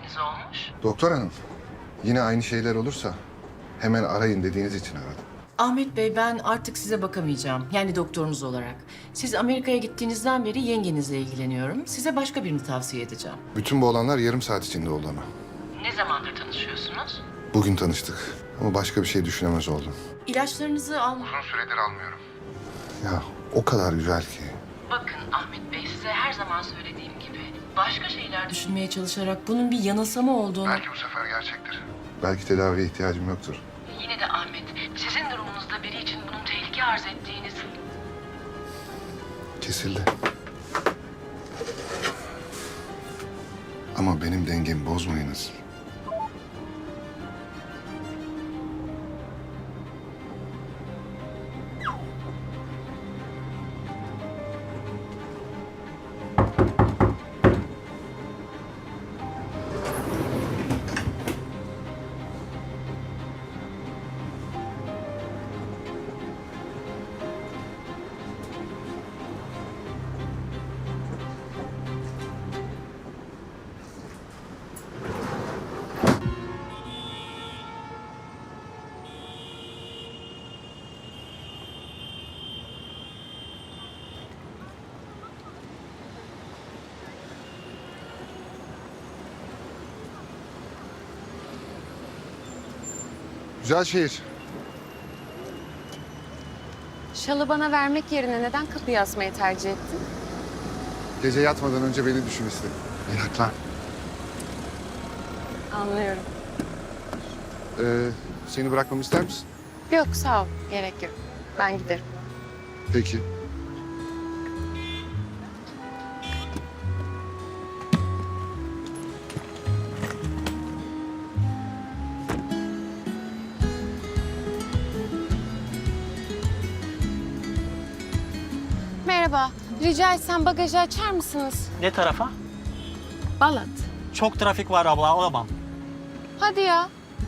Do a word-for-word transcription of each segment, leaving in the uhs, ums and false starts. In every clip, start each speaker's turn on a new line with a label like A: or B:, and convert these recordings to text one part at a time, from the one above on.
A: tedaviniz olmuş?
B: Doktor hanım, yine aynı şeyler olursa hemen arayın dediğiniz için aradım.
A: Ahmet Bey, ben artık size bakamayacağım. Yani doktorunuz olarak. Siz Amerika'ya gittiğinizden beri yengenizle ilgileniyorum. Size başka birini tavsiye edeceğim.
B: Bütün bu olanlar yarım saat içinde oldu ama.
A: Ne zamandır tanışıyorsunuz?
B: Bugün tanıştık ama başka bir şey düşünemez oldum.
A: İlaçlarınızı al...
B: Uzun süredir almıyorum. Ya o kadar güzel ki.
A: Bakın Ahmet Bey, size her zaman söylediğim gibi başka şeyler düşünmeye çalışarak bunun bir yanılsama olduğunu...
B: bu sefer gerçektir. Belki tedaviye ihtiyacım yoktur.
A: Yine de Ahmet, sizin durumunuzda biri için bunun tehlike arz ettiğiniz...
B: Kesildi. Ama benim dengemi bozmayınız. Güzel şehir.
C: Şalı bana vermek yerine neden kapıyı asmayı tercih ettin?
B: Gece yatmadan önce beni düşün istedim. Meraklan.
C: Anlıyorum.
B: Ee, seni bırakmamı ister misin?
C: Yok sağ ol. Gerek yok. Ben giderim.
B: Peki.
C: Merhaba. Rica etsem bagajı açar mısınız?
D: Ne tarafa?
C: Balat.
D: Çok trafik var abla, alamam.
C: Hadi ya.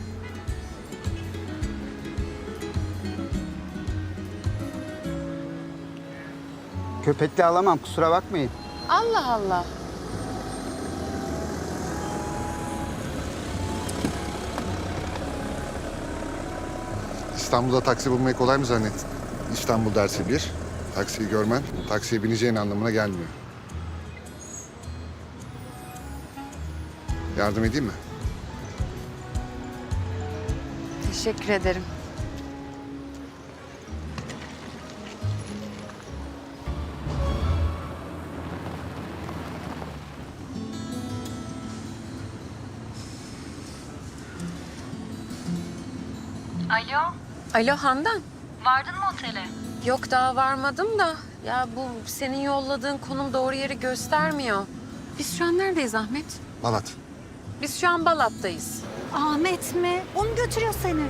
E: Köpekli alamam, kusura bakmayın.
C: Allah Allah.
B: İstanbul'da taksi bulmayı kolay mı zannettin? İstanbul dersi bir. Taksiyi görmen, taksiye bineceğin anlamına gelmiyor. Yardım edeyim mi?
C: Teşekkür ederim.
F: Alo,
C: Alo Handan.
F: vardın mı otele?
C: Yok daha varmadım da. Ya bu senin yolladığın konum doğru yeri göstermiyor. Biz şu an neredeyiz Ahmet?
B: Balat.
C: Biz şu an Balat'tayız.
F: Ahmet mi? Onu götürüyor seni.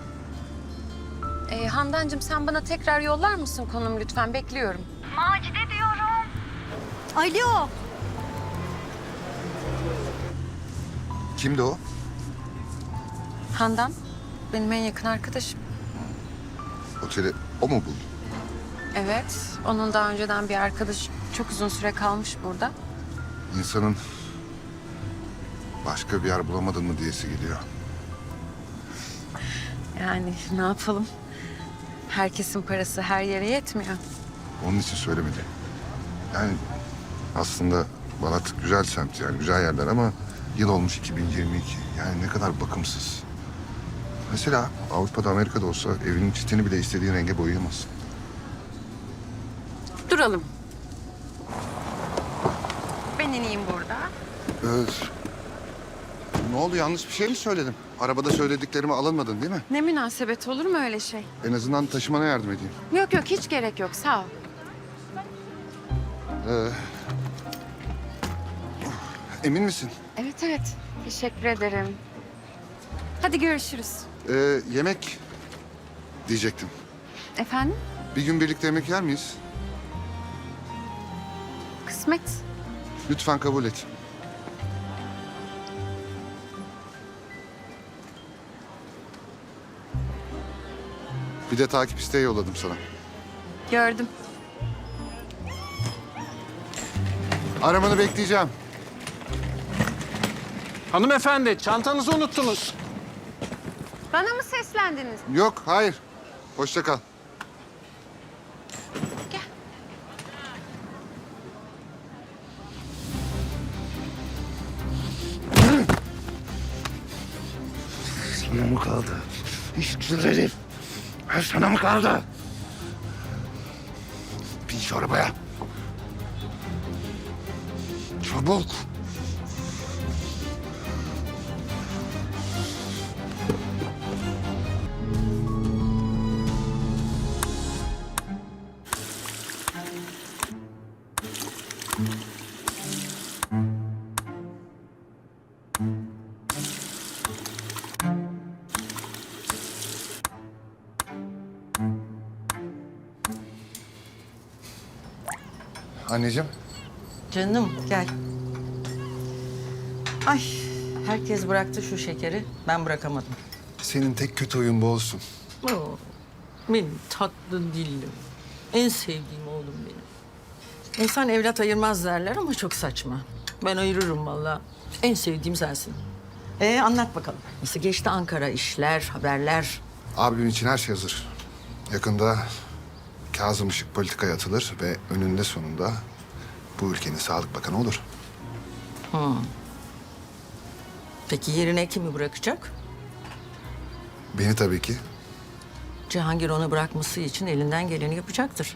C: Ee, Handancığım sen bana tekrar yollar mısın konum lütfen? Bekliyorum.
F: Macide diyorum. Alo.
B: Kimdi o?
C: Handan benim en yakın arkadaşım.
B: Oteli o mu buldu?
C: Evet, onun daha önceden bir arkadaş çok uzun süre kalmış burada.
B: İnsanın başka bir yer bulamadın mı diyesi geliyor.
C: Yani ne yapalım? Herkesin parası her yere yetmiyor.
B: Onun için söylemedim. Yani aslında Balat güzel semt yani güzel yerler ama yıl olmuş iki bin yirmi iki. Yani ne kadar bakımsız. Mesela Avrupa'da Amerika'da olsa evinin çitini bile istediğin renge boyayamazsın.
C: Duralım. Ben ineyim burada.
B: Evet. Ne oldu yanlış bir şey mi söyledim? Arabada söylediklerime alınmadın değil mi?
C: Ne münasebet olur mu öyle şey?
B: En azından taşımana yardım edeyim.
C: Yok yok hiç gerek yok sağ ol.
B: Ee, emin misin?
C: Evet evet teşekkür ederim. Hadi görüşürüz.
B: Ee, yemek diyecektim.
C: Efendim?
B: Bir gün birlikte yemek yer miyiz?
C: Kısmet.
B: Lütfen kabul et. Bir de takip isteği yolladım sana.
C: Gördüm.
B: Aramanı bekleyeceğim.
G: Hanımefendi, çantanızı unuttunuz.
C: Bana mı seslendiniz?
B: Yok, hayır. Hoşça kal.
C: Gel.
B: Sana mı kaldı? İş güzel herif. Ha, sana mı kaldı? Bin şu arabaya. Çabuk. Anneciğim.
H: Canım gel. Ay herkes bıraktı şu şekeri. Ben bırakamadım.
B: Senin tek kötü oyun bu olsun.
H: Oo, benim tatlı dillim. En sevdiğim oğlum benim. İnsan evlat ayırmaz derler ama çok saçma. Ben ayırırım vallahi. En sevdiğim sensin. Ee anlat bakalım. Nasıl geçti Ankara işler, haberler?
B: Abimin için her şey hazır. Yakında Kazım Işık politikaya atılır ve önünde sonunda bu ülkenin Sağlık Bakanı olur.
H: Peki yerine kimi bırakacak?
B: Beni tabii ki.
H: Cihangir onu bırakması için elinden geleni yapacaktır.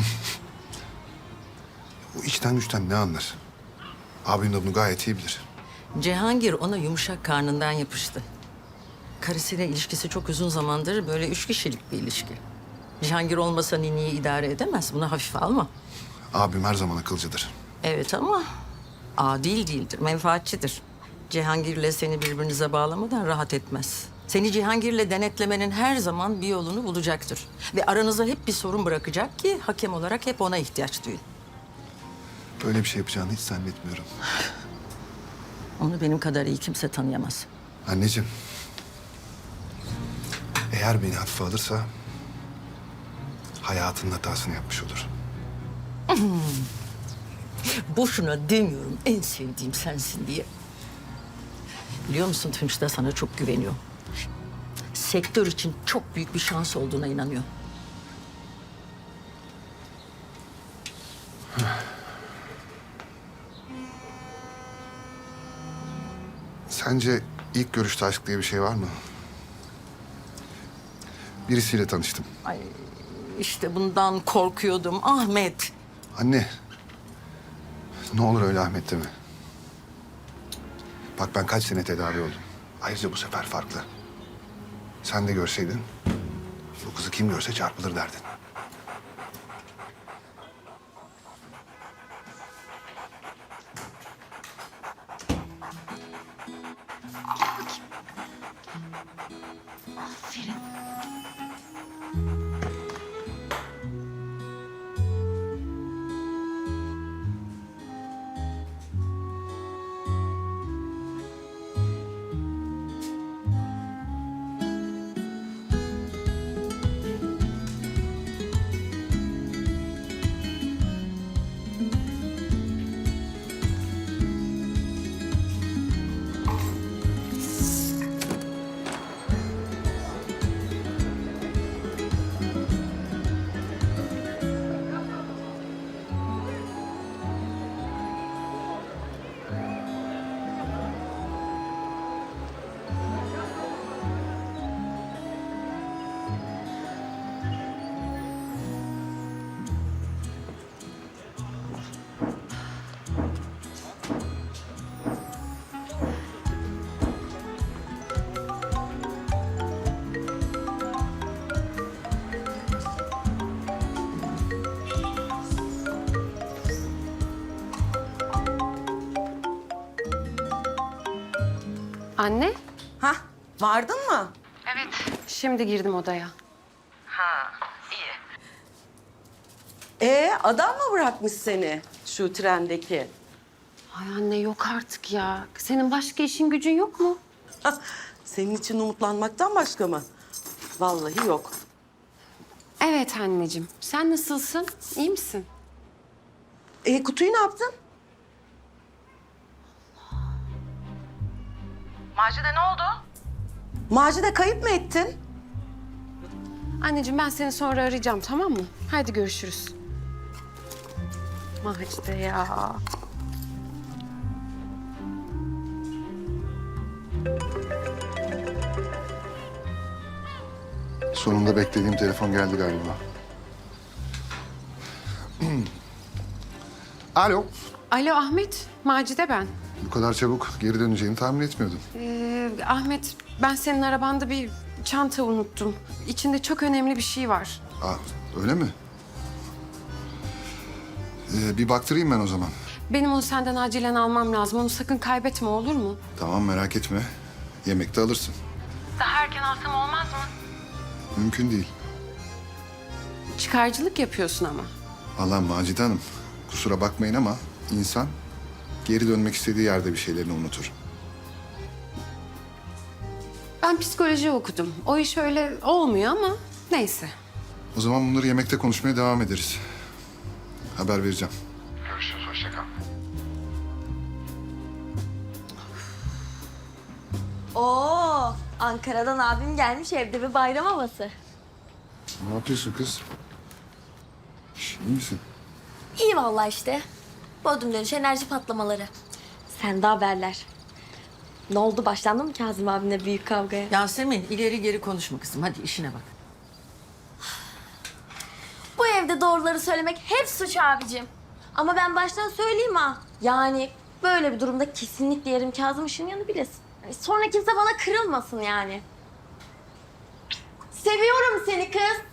B: Bu içten güçten ne anlar? Abim de bunu gayet iyi bilir.
H: Cihangir ona yumuşak karnından yapıştı. Karısıyla ilişkisi çok uzun zamandır böyle üç kişilik bir ilişki. Cihangir olmasa Nini'yi idare edemez. Bunu hafife alma.
B: Abim her zaman akılcıdır.
H: Evet ama adil değildir, menfaatçidir. Cihangir'le seni birbirinize bağlamadan rahat etmez. Seni Cihangir'le denetlemenin her zaman bir yolunu bulacaktır. Ve aranıza hep bir sorun bırakacak ki hakem olarak hep ona ihtiyaç duyun.
B: Böyle bir şey yapacağını hiç zannetmiyorum.
H: Onu benim kadar iyi kimse tanıyamaz.
B: Anneciğim. Eğer beni hafife alırsa hayatının hatasını yapmış olur.
H: Boşuna demiyorum en sevdiğim sensin diye. Biliyor musun Tunç da sana çok güveniyor. Sektör için çok büyük bir şans olduğuna inanıyor.
B: Sence ilk görüşte aşk diye bir şey var mı? Birisiyle tanıştım.
H: Ay işte bundan korkuyordum Ahmet.
B: Anne. Ne olur öyle Ahmet deme. Bak ben kaç sene tedavi oldum. Ayrıca bu sefer farklı. Sen de görseydin bu kızı kim görse çarpılır derdin.
C: Anne,
I: Hah, vardın mı?
C: şimdi girdim odaya.
I: Ee, adam mı bırakmış seni şu trendeki?
C: Ay anne yok artık ya. Senin başka işin gücün yok mu?
I: Hah, senin için umutlanmaktan başka mı? Vallahi yok.
C: Evet anneciğim. Sen nasılsın? İyi misin?
I: Ee, kutuyu ne yaptın?
C: Macide ne oldu?
I: Macide kayıp mı ettin?
C: Anneciğim ben seni sonra arayacağım tamam mı? Haydi görüşürüz. Macide ya.
B: Sonunda beklediğim telefon geldi galiba. Alo.
C: Alo Ahmet, Macide ben.
B: Bu kadar çabuk geri döneceğini tahmin etmiyordum.
C: Ee, Ahmet, ben senin arabanda bir çanta unuttum. İçinde çok önemli bir şey var.
B: Aa, öyle mi? Ee, bir baktırayım ben o zaman.
C: Benim onu senden acilen almam lazım. Onu sakın kaybetme olur mu?
B: Tamam, merak etme. Yemekte alırsın.
C: Daha erken alsam olmaz mı?
B: Mümkün değil.
C: Çıkarcılık yapıyorsun ama.
B: Allah Macide Hanım, kusura bakmayın ama insan geri dönmek istediği yerde bir şeylerini unutur.
C: Ben psikoloji okudum. O iş öyle olmuyor ama neyse.
B: O zaman bunları yemekte konuşmaya devam ederiz. Haber vereceğim. Görüşürüz, hoşça kal.
J: Oo, Ankara'dan abim gelmiş, evde bir bayram havası.
B: Ne yapıyorsun kız? Şş, iyi misin?
J: İyi vallahi işte. Bodrum dönüş enerji patlamaları. Sende haberler. Ne oldu, başlandı mı Kazım abimle büyük kavgaya?
H: Yasemin ileri geri konuşma kızım. Hadi işine bak.
J: Bu evde doğruları söylemek hep suç abicim. Ama ben baştan söyleyeyim ha. Yani böyle bir durumda kesinlikle yerim Kazım Işınyan'ı bilesin. Yani sonra kimse bana kırılmasın yani. Seviyorum seni kız.